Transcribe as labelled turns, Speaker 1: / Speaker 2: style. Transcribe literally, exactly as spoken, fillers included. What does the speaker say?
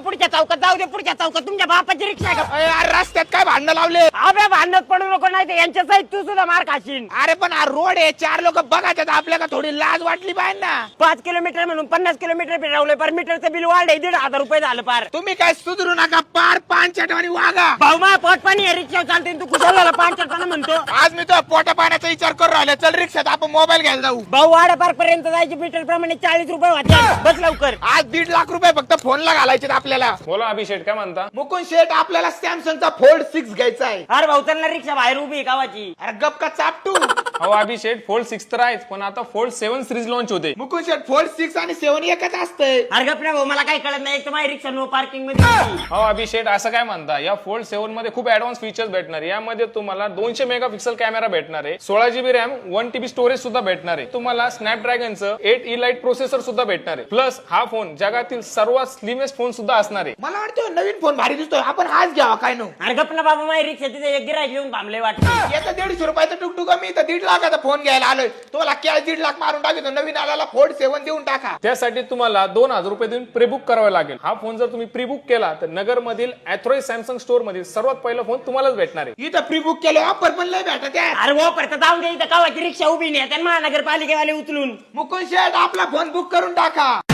Speaker 1: पुढच्या चौकात जाऊ दे पुढच्या चौकात तुमच्या बापाची रिक्षा आहे का?
Speaker 2: अरे यार, रस्त्यात काय भांडणं लावले?
Speaker 1: अबे भांडत पडू नको नाही तर यांच्या साईड तू सुद्धा मार खाशील.
Speaker 2: अरे पण हा रोड आहे, चार लोक बघायच्यात आपल्याला, थोडी लाज वाटली पाहिजे ना.
Speaker 1: पाच किलोमीटर म्हणून पन्नास किलोमीटर फिरवले पर मीटरचं बिल वाढले दीड हजार रुपये झालं पार.
Speaker 2: तुम्ही काय सुधरू नका, पार पानचटवाणी वागा.
Speaker 1: भाऊ मा पोटपाणी आहे रिक्षा चालते तू कुठं झाला पाच म्हणतो.
Speaker 2: आज मी तो पोटा पाण्याचा विचार करू राहिलो. चल रिक्षात आपण मोबाईल घ्यायला जाऊ.
Speaker 1: भाऊ वाडा पार्क पर्यंत जायची मीटर प्रमाणे चाळीस रुपये वाटते. बस लवकर.
Speaker 2: आज दीड लाख रुपये फक्त फोनला घालायचे आपल्याला.
Speaker 3: बोला अभिषेक, काय म्हणता?
Speaker 2: मुकुंद शेठ, आपल्याला सॅमसंगचा फोल्ड सिक्स घ्यायचा आहे.
Speaker 1: अरे भाऊ चल ना रिक्षा बाहेर उभी आहे गावाची.
Speaker 2: अरे गप का चापटू.
Speaker 3: हो अभिषेक, फोल्ड सिक्स तर आहेच, पण आता फोल्ड सेव्हन सिरीज लॉन्च होते.
Speaker 2: मुकुंद शेठ, फोल्ड सिक्स आणि सेव्हन एकच असतंय.
Speaker 1: अरे गप ना भाऊ, मला काही कळत नाही. एक तर माझी रिक्षा नो पार्किंग मध्ये होती.
Speaker 3: हो अभिषेक, असं काय म्हणता? या फोल्ड सेव्हन मध्ये खूप ऍडव्हान्स फीचर्स भेटणार आहे. यामध्ये तुम्हाला दोनशे मेगापिक्सल कॅमेरा भेटणार आहे, सोळा GB RAM, one TB storage सुद्धा भेटणार आहे. तुम्हाला स्नॅपड्रॅगनचं एट ई लाईट प्रोसेसर सुद्धा भेटणार आहे. प्लस हा फोन जगातील सर्वात स्लिमेस्ट फोन सुद्धा असणार आहे.
Speaker 2: मला वाटतं नवीन फोन भारी दिसतोय, आपण हाच घ्यावा काय नो.
Speaker 1: अरे गप ना बाबा, माझी रिक्षा तिथे एक गिराईक येऊन थांबले वाटतं.
Speaker 2: याचा दीडशे रुपयाचा टुकटुक, मी तर दीड लाखाचा फोन घ्यायला आलोय. तुम्हाला कॅश दीड लाख मारून टाकतो, नवीन आल्याला फोल्ड सेव्हन देऊन टाका.
Speaker 3: त्यासाठी तुम्हाला दोन हजार रुपये देऊन प्रीबुक करावे लागेल. हा फोन जर तुम्ही प्रीबुक केला तर नगर मधील अॅथोराइज सॅमसंग स्टोर मधील सर्वात पहिला फोन तुम्हालाच भेटणार आहे.
Speaker 2: इथं प्री बुक केलं, ऑफर पण लय भेटत आहे.
Speaker 1: अरे वो परत जाऊन दे, इथं गावाची रिक्षा उभी नाही, त्यांना महानगरपालिकेवाले उचलून.
Speaker 2: मुकुंद शेठ, आपला फोन बुक करून टाका.